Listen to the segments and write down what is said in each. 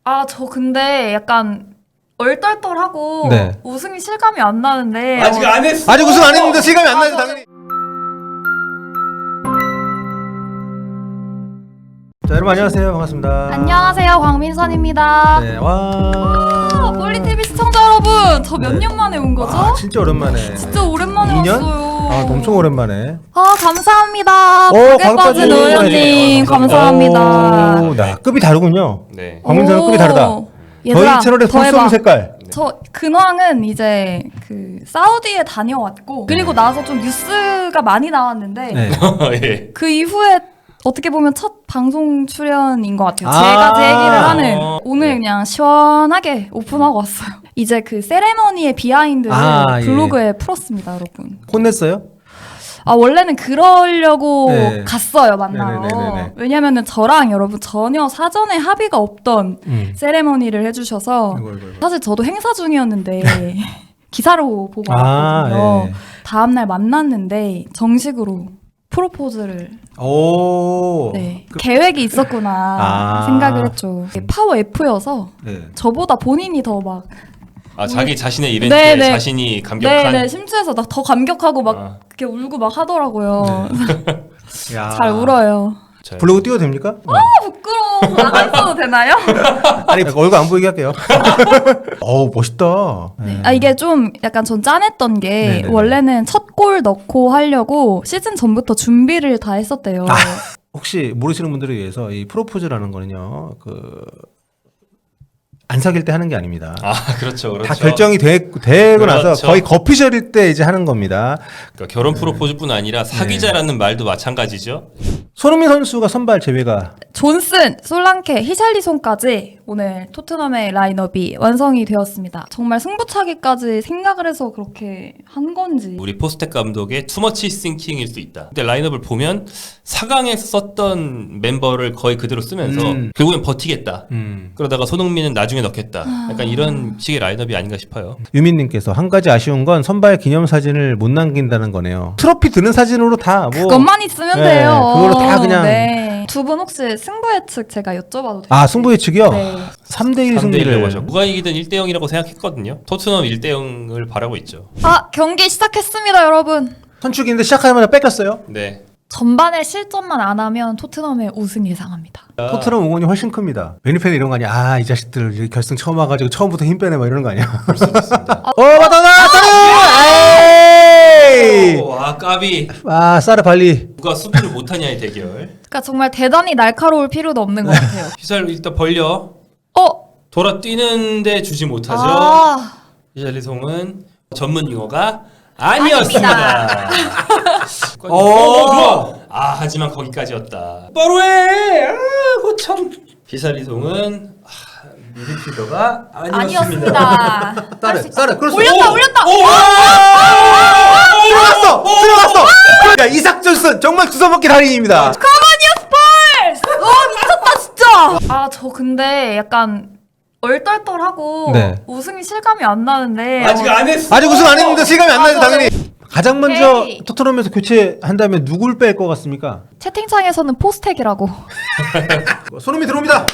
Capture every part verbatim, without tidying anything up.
아, 저 근데 약간 얼떨떨하고 네. 우승이 실감이 안 나는데 아직 어, 안 했어. 아직 우승 안 했는데 실감이 안 아, 나죠 저- 당연히. 자 여러분 안녕하세요, 반갑습니다. 안녕하세요, 광민선입니다. 네, 와. 아, 폴리티비 시청자 여러분, 저 몇 년 네. 만에 온 거죠? 아, 진짜 오랜만에. 진짜 오랜만에 이 년? 왔어요. 아, 엄청 오랜만에. 아, 감사합니다. 오, 벽에 가격까지 빠진 의원님 오, 감사합니다. 오, 나 급이 다르군요. 네. 광민선은 급이 다르다. 오, 얘들아, 저희 채널에 더 불 쏘는 해봐. 색깔. 저 근황은 이제 그 사우디에 다녀왔고 그리고 나서 좀 뉴스가 많이 나왔는데 네. 예. 그 이후에 어떻게 보면 첫 방송 출연인 것 같아요. 아. 제가 제 얘기를 하는 어. 오늘 네. 그냥 시원하게 오픈하고 왔어요. 이제 그 세레머니의 비하인드를 아, 예. 블로그에 풀었습니다, 여러분. 혼냈어요? 아, 원래는 그러려고 네. 갔어요, 만나러. 네네네네네. 왜냐면은 저랑 여러분 전혀 사전에 합의가 없던 음. 세레머니를 해주셔서 이거, 이거, 이거. 사실 저도 행사 중이었는데 기사로 보고 아, 왔거든요. 예. 다음날 만났는데 정식으로 프로포즈를 오. 네. 그- 계획이 있었구나 아. 생각을 했죠. 파워 F여서 네. 저보다 본인이 더 막 아 자기 자신의 이벤트에 네, 네. 자신이 감격한. 네네 심취해서 나 더 감격하고 막 아. 그렇게 울고 막 하더라고요. 야. 잘 울어요. 자, 블로그 띄워도 됩니까? 아, 부끄러워. 안 써도 되나요? 아니 얼굴 안 보이게 할게요. 어우 멋있다. 네. 아 이게 좀 약간 전 짠했던 게 네네네. 원래는 첫 골 넣고 하려고 시즌 전부터 준비를 다 했었대요. 아. 혹시 모르시는 분들을 위해서 이 프로포즈라는 거는요, 그 안 사귈 때 하는 게 아닙니다. 아 그렇죠, 그렇죠. 다 결정이 되, 되고 나서 그렇죠. 거의 거피셜일 때 이제 하는 겁니다. 그러니까 결혼 프로포즈뿐 아니라 사귀자라는 말도 마찬가지죠. 손흥민 선수가 선발 제외가 존슨, 솔랑케, 히샬리송까지 오늘 토트넘의 라인업이 완성이 되었습니다. 정말 승부차기까지 생각을 해서 그렇게 한 건지. 우리 포스텍 감독의 투머치 싱킹일 수 있다. 근데 라인업을 보면 사 강에서 썼던 멤버를 거의 그대로 쓰면서 음. 결국엔 버티겠다. 음. 그러다가 손흥민은 나중에 넣겠다. 약간 이런 식의 라인업이 아닌가 싶어요. 유민님께서 한 가지 아쉬운 건 선발 기념 사진을 못 남긴다는 거네요. 트로피 드는 사진으로 다 뭐. 그것만 있으면 네, 돼요. 그걸로 다 그냥- 네. 두 분 혹시 승부 예측 제가 여쭤봐도 돼요? 아 승부 예측이요? 네. 삼 대 일 삼 대 일이라고 승리를. 하죠. 누가 이기든 일 대 영이라고 생각했거든요. 토트넘 일 대 영을 바라고 있죠. 아, 경기 시작했습니다, 여러분. 선축인데 시작하자마자 뺏겼어요. 네. 전반에 실점만 안 하면 토트넘의 우승 예상합니다. 토트넘 응원이 훨씬 큽니다. 베니팬 이런 거 아니야? 아, 이 자식들 이제 결승 처음 와가지고 처음부터 힘 빼내 막 이러는 거 아니야? 볼 수도 있습니다. 어, 맞다, 맞다, 에이! 오, 아 까비. 아, 사르 발리. 누가 수비를 못하냐의 대결. 그러니까 정말 대단히 날카로울 필요도 없는 것 같아요. 휘살 일단 벌려. 어? 돌아 뛰는데 주지 못하죠. 아, 휘살리송은 전문 용어가 아니었습니다. 어, 어. 좋아. 아 하지만 거기까지였다. 바로 해. 아, 고참. 휘살리송은 아, 미드필더가 아니었습니다. 아니었습니다. 사르, 사르, 그렇어. 올렸다, 올렸다. 들어갔어! 들어갔어! 야, 이삭 존슨 정말 주워먹기 달인입니다. 가만히야, 스펄스! 와, 미쳤다, 진짜! 아, 저 근데 약간 얼떨떨하고 네. 우승이 실감이 안 나는데. 아직 안 했어. 아직 우승 안 했는데 실감이 안 나죠, 아, 당연히. 가장 먼저 오케이. 토트넘에서 교체한다면 누굴 뺄 것 같습니까? 채팅창에서는 포스텍이라고. 손흥민 들어옵니다.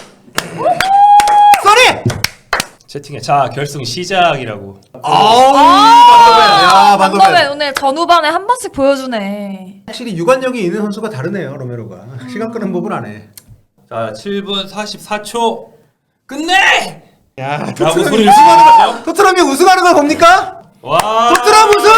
쏘리! 채팅에 자 결승 시작이라고. 아우, 아, 야, 반도맨. 오늘 전후반에 한 번씩 보여주네. 확실히 유관력이 있는 선수가 다르네요, 로메로가. 시간 끄는 법을 안 해. 자 칠 분 사십사 초 끝내. 야, 라고 토트넘이 소리를 우승하는 지르죠. 거, 토트넘이 우승하는 걸 봅니까? 와. 토트넘 우승!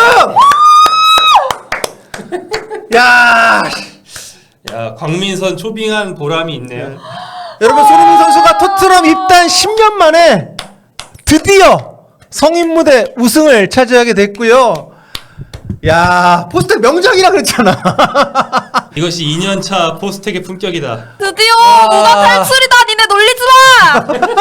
야, 야 광민선 초빙한 보람이 있네요. 여러분 손흥민 선수가 토트넘 입단 십 년 만에 드디어 성인 무대 우승을 차지하게 됐고요. 야, 포스텍 명작이라 그랬잖아. 이것이 이 년 차 포스텍의 품격이다. 드디어 아. 누가 탈출이다. 니네 놀리지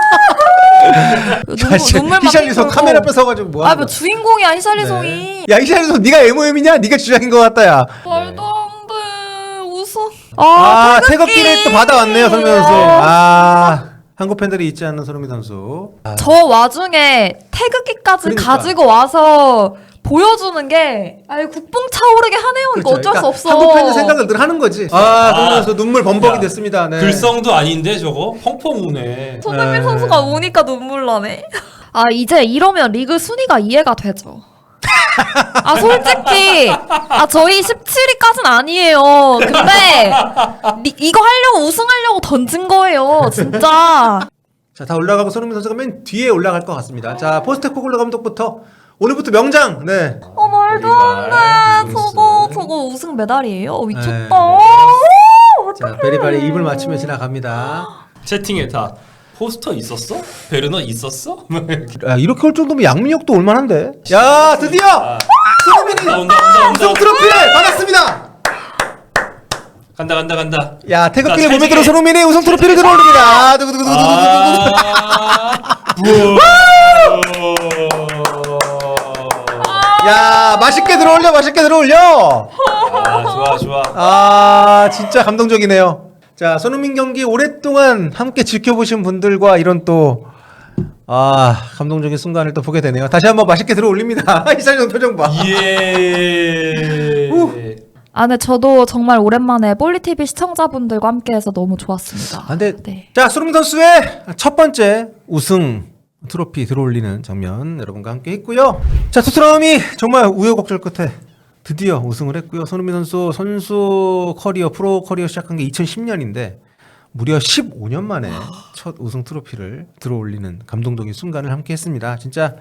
마. 자, 눈물 막 히샬리송 흘리고. 카메라 뺏어가지고 뭐 아, 하는 뭐 거야? 주인공이야 히샬리송이. 네. 야, 히샬리송 네가 엠오엠이냐? 네가 주장인 것 같다, 야. 말도 안 돼. 우승. 아, 태극기. 태극기를 또 받아왔네요, 설명 선수. 아, 한국 팬들이 잊지 않는 손흥민 선수. 아, 저 와중에 태극기까지 그러니까. 가지고 와서 보여주는 게 아유 국뽕 차오르게 하네요. 이거 그렇죠. 어쩔 그러니까 수 없어. 한국 팬들 생각을 늘 하는 거지. 아, 손흥민 아, 선수 눈물 범벅이 야, 됐습니다. 네. 글성도 아닌데 저거 펑펑 우네. 손흥민 네. 선수가 우니까 눈물 나네. 아 이제 이러면 리그 순위가 이해가 되죠. 아 솔직히 아 저희 십칠 위까지는 아니에요. 근데 리, 이거 하려고 우승하려고 던진 거예요. 진짜. 자, 다 올라가고 손흥민 선수가 맨 뒤에 올라갈 것 같습니다. 자, 포스테코글로 감독부터 오늘부터 명장. 네. 어 말도 안 돼. 우승. 저거 저거 우승 메달이에요. 미쳤다. 네. 오, 자, 베리바리 입을 맞추며 지나갑니다. 채팅에 다 포스터 있었어? 베르너 있었어? 야, 이렇게 올 정도면 양민혁도 올만한데. 야, 드디어 아, 손흥민이 온다 온다 온다 우승 온다. 트로피를 받았습니다. 간다 간다 간다. 야, 태극기를 자, 몸에 찰지게. 들어 손흥민이 우승 트로피를 들어올립니다. 두구두구두구두구두구. 아, 야, 맛있게 들어올려, 맛있게 들어올려. 아 좋아 좋아. 아, 진짜 감동적이네요. 자, 손흥민 경기 오랫동안 함께 지켜보신 분들과 이런 또 아, 감동적인 순간을 또 보게 되네요. 다시 한번 맛있게 들어올립니다. 이찬용 표정 봐. 예. 아, 근데 저도 정말 오랜만에 볼리티비 시청자분들과 함께해서 너무 좋았습니다. 아, 근데 네. 자, 손흥민 선수의 첫 번째 우승 트로피 들어올리는 장면 여러분과 함께 했고요. 자, 토트넘이 정말 우여곡절 끝에 드디어 우승을 했고요. 손흥민 선수 선수 커리어, 프로 커리어 시작한 게 이천십 년인데 무려 십오 년 만에 첫 우승 트로피를 들어올리는 감동적인 순간을 함께 했습니다. 진짜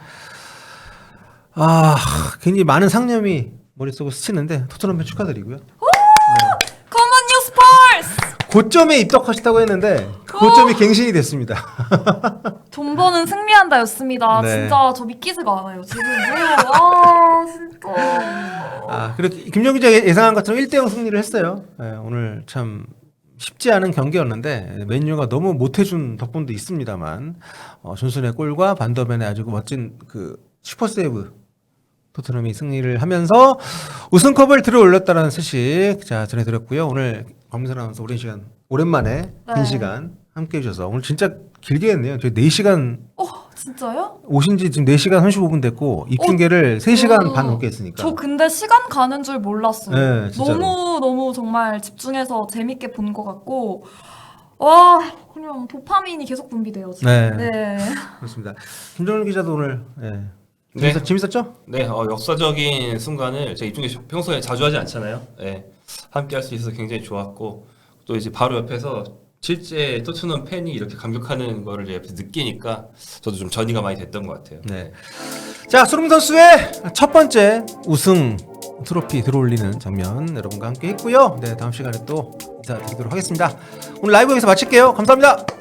아, 굉장히 많은 상념이 머릿속을 스치는데 토트넘 팬 축하드리고요. Come on, you Spurs! 고점에 입덕하셨다고 했는데 그 고점이 갱신이 됐습니다. 돈 버는 승리한다였습니다. 네. 진짜 저 믿기지가 않아요. 지금 뭐예요? 아 진짜. 아, 그리고 김정 기자 예상한 것처럼 일 대 영 승리를 했어요. 네, 오늘 참 쉽지 않은 경기였는데 맨유가 너무 못해준 덕분도 있습니다만 어, 존슨의 골과 반더벤의 아주 멋진 그 슈퍼세이브 토트넘이 승리를 하면서 우승컵을 들어올렸다는 소식 자 전해드렸고요. 오늘 강민선 아나운서 오랜 시간 오랜만에 긴 네. 시간 함께 해주셔서 오늘 진짜 길게 했네요. 저희 네 시간 어 진짜요? 오신 지 지금 네 시간 삼십오 분 됐고 입중계를 세 시간 어, 반 넘게 했으니까 저 근데 시간 가는 줄 몰랐어요. 네, 진짜로. 너무 너무 정말 집중해서 재밌게 본 것 같고 와 그냥 도파민이 계속 분비돼요 지금. 네. 네. 그렇습니다. 김정일 기자도 오늘 예. 네. 재밌었, 재밌었죠? 네, 어, 역사적인 순간을 제가 이중에 평소에 자주 하지 않잖아요. 네, 함께 할 수 있어서 굉장히 좋았고 또 이제 바로 옆에서 실제 토트넘 팬이 이렇게 감격하는 거를 이제 옆에서 느끼니까 저도 좀 전이가 많이 됐던 것 같아요. 네. 자, 손흥민 선수의 첫 번째 우승 트로피 들어올리는 장면 여러분과 함께 했고요. 네, 다음 시간에 또 인사드리도록 하겠습니다. 오늘 라이브 여기서 마칠게요. 감사합니다.